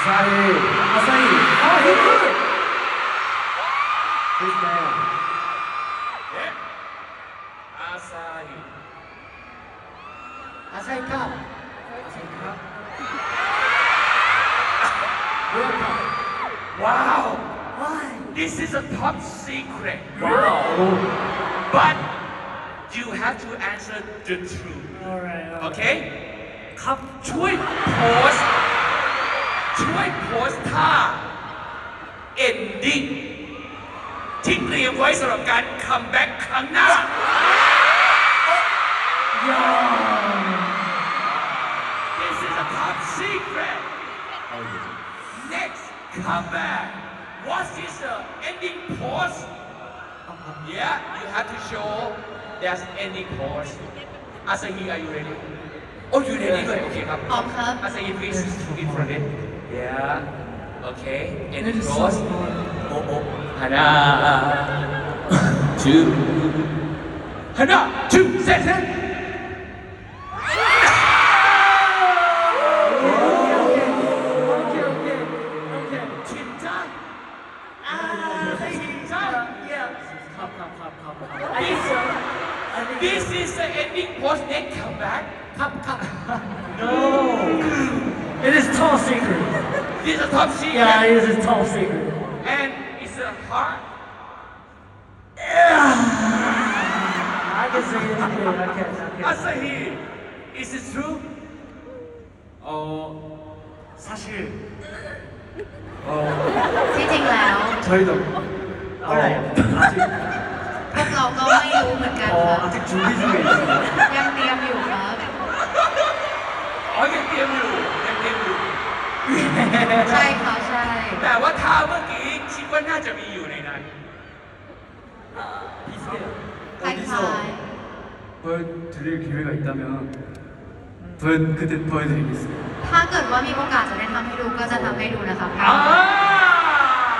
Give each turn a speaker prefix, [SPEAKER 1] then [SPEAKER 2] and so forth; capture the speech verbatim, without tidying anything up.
[SPEAKER 1] Asahi. Asahi. Oh, he good. His man.
[SPEAKER 2] Yeah. Asahi.
[SPEAKER 1] Asahi Cup. Asahi Cup. World Cup.
[SPEAKER 2] Wow.
[SPEAKER 1] Why?
[SPEAKER 2] This is a top secret.
[SPEAKER 1] Wow.
[SPEAKER 2] But you have to answer the truth.
[SPEAKER 1] Alright.
[SPEAKER 2] Okay? ครับช่วยโพสต์ช่วยโพสต์ท่า ending ที่เตรียมไว้สำหรับการคัมแบ็กครั้งหน้า This is a top secret. Next comeback. What is the ending pose? Yeah, you have to show there's ending pose. Asahi, are you ready? Oh, you ready? Good. Okay, ครับ
[SPEAKER 3] พร้อมครับ
[SPEAKER 2] Asahi, please in front of it. Yeah. Okay. Ending pose. Oh, oh. Hana. Two. Hana. Two. Set. Set. 진짜? 아, 진짜? Yeah. This, this is the ending post next comeback. Come, come.
[SPEAKER 1] No. It is top secret.
[SPEAKER 2] This is a top secret.
[SPEAKER 1] Yeah, it is a top secret.
[SPEAKER 2] And it's a heart.
[SPEAKER 1] I can say it. I can. I can.
[SPEAKER 2] Asahi, is it true?
[SPEAKER 1] 어 사실 어
[SPEAKER 3] ที่จริงแล้ว
[SPEAKER 1] 저희도 어, 아직
[SPEAKER 3] พวกเราก็ไม่รู้เหมือนกัน
[SPEAKER 1] 어
[SPEAKER 3] ค่ะ
[SPEAKER 1] 아직 준비 중에 있습니다.
[SPEAKER 3] ยังเตรียมอยู่ครับ
[SPEAKER 2] อ๋อยังเตรียมอยู่ยังเตรียมอยู่
[SPEAKER 3] ใช่ค่ะใช่
[SPEAKER 2] แต่ว่าท่าเมื่อกี้คิดว่าน่าจะมีอยู่ในนั้น
[SPEAKER 1] 비슷해요.
[SPEAKER 3] คล้าย
[SPEAKER 1] 어디서 보여드릴 기회가 있다면 보여 그때 보여드리겠습니다.
[SPEAKER 3] ๆถ้าเกิดว่ามีโอกาสจะได้ทำให้ดูก็จะทำให้ดูนะคะ
[SPEAKER 2] อ่า